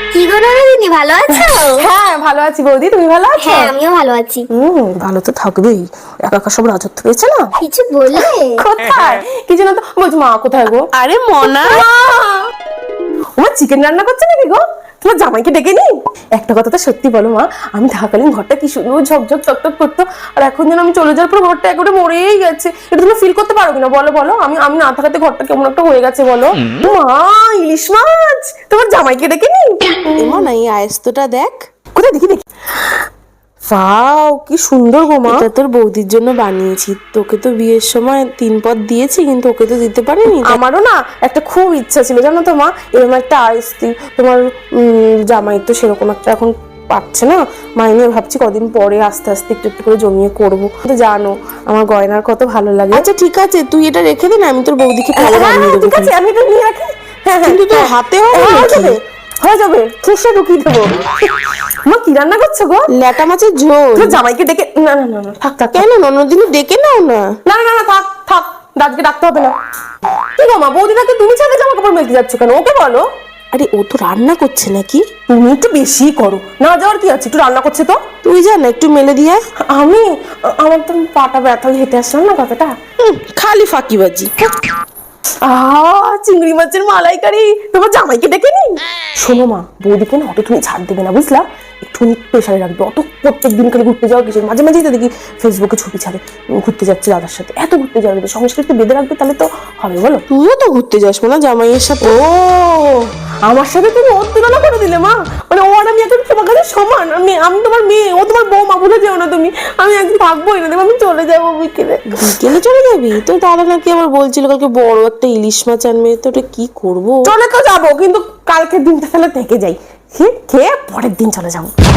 কি গো নন্দিনী, ভালো আছো? হ্যাঁ ভালো আছি বৌদি, তুমি ভালো আছো? হ্যাঁ আমিও ভালো আছি। ভালো তো থাকবেই, একা একা সব রাজত্ব পেয়েছে না। কিছু বললে? কোথায় কিছু না তো, বলছি মা কোথায় গো? আরে মনা, আমার চিকেন রান্না করছে নাকি গো? তোমার জামাইকে ডেকে নি। একটা কথা তো সত্যি বলো মা, আমি থাকালীন ঘরটা কি সুন্দর ঝকঝক চকচক করতো, আর এখন যেন আমি চলে যাওয়ার পর ঘরটা একেবারে মরেই গেছে। এটা তুমি ফিল করতে পারো কিনা বলো বলো, আমি আমি না থাকাতে ঘরটা কেমন একটা হয়ে গেছে বলো। মা, ইলিশ মাছ তোমার জামাইকে ডেকে নি। মনা এই আয়েস্তটা দেখ। কোথায় দেখি দেখি। ওয়াও কি সুন্দর গো মা। এটা তোর বৌদির জন্য বানিয়েছি, তোকে তো বিয়ের সময় 3 পদ দিয়েছি কিন্তু ওকে তো দিতে পারিনি। আমারও না একটা খুব ইচ্ছা ছিল জানো তো মা, এরকম একটা আইসক্রি। তোমার জামাই তো সেরকম একটা এখন পাচ্ছে না, মাইনে ভাবছি কদিন পরে আস্তে আস্তে একটু একটু করে জমিয়ে করবো। তো জানো আমার গয়নার কত ভালো লাগে। আচ্ছা ঠিক আছে, তুই এটা রেখে দে না, আমি তোর বৌদিকে পরে হ্যাঁ, বানিয়ে দেবো। ঠিক আছে আমি এটা নিয়ে রাখি। হ্যাঁ হ্যাঁ, কিন্তু তোর হ্যাঁ। হাতে হবে হয়ে নাকি? যাবে, হয়ে যাবে, ঠুসে ঢুকিয়ে দেবো। মা কি রান্না করছো গো? ল্যাটা মাছের ঝোল। তোর জামাইকে ডেকে, না না না না, থাক থাক থাক। কেন ননদিনী ডেকে নাও না। না না না থাক থাক, দাদকে ডাকতে হবে না। কি গো মা, বৌদিটাকে তুমি ছাদে জামা কাপড় মেলতে যাচ্ছ কেন? ওকে বলো। আরে ও তো রান্না করছে নাকি? তুমি একটু বেশি করো, না যাওয়ার কি আছে, একটু রান্না করছে তো। তুই যা না একটু মেলে দিয়ে আয়। আমি, আমার তো পাটা ব্যথা, হেঁটে আসলাম না কতটা। খালি ফাঁকিবাজি। চিংড়ি মাছের মালাইকারি তোমার জামাইকে ডেকে নি। শোনো মা, বৌদিকে না অত তুমি ছাড় দেবে না বুঝলা, একটুখানি প্রেশারে রাখবে। অত প্রত্যেক দিন খালি ঘুরতে যাওয়া কিছু, মাঝে মাঝেই তো দেখি ফেসবুকে ছবি ছাড়ে ঘুরতে যাচ্ছে দাদার সাথে। এত ঘুরতে যাওয়া সংসার একটু বেঁধে রাখবে, তাহলে তো হবে বলো। তুইও তো ঘুরতে যাস না জামাইয়ের সাথে। ও আমার সাথে তুমি ওর তুলনা করে দিলে মা, মানে ও আর আমি এখন তোমার কাছে সমান। আমি তোমার মেয়ে, ও তোমার বৌমা, ভুলে যেও না তুমি। আমি একদিন থাকবোই না, দেখো আমি চলে যাবো বিকেলে। বিকেলে চলে যাবি? তো দাদা নাকি আবার বলছিল কালকে বড় একটা ইলিশ মাছ আনবে, তো ওটা কি করবো? চলে তো যাবো, কিন্তু কালকের দিনটা তাহলে থেকে যাই, খেয়ে খেয়ে পরের দিন চলে যাবো।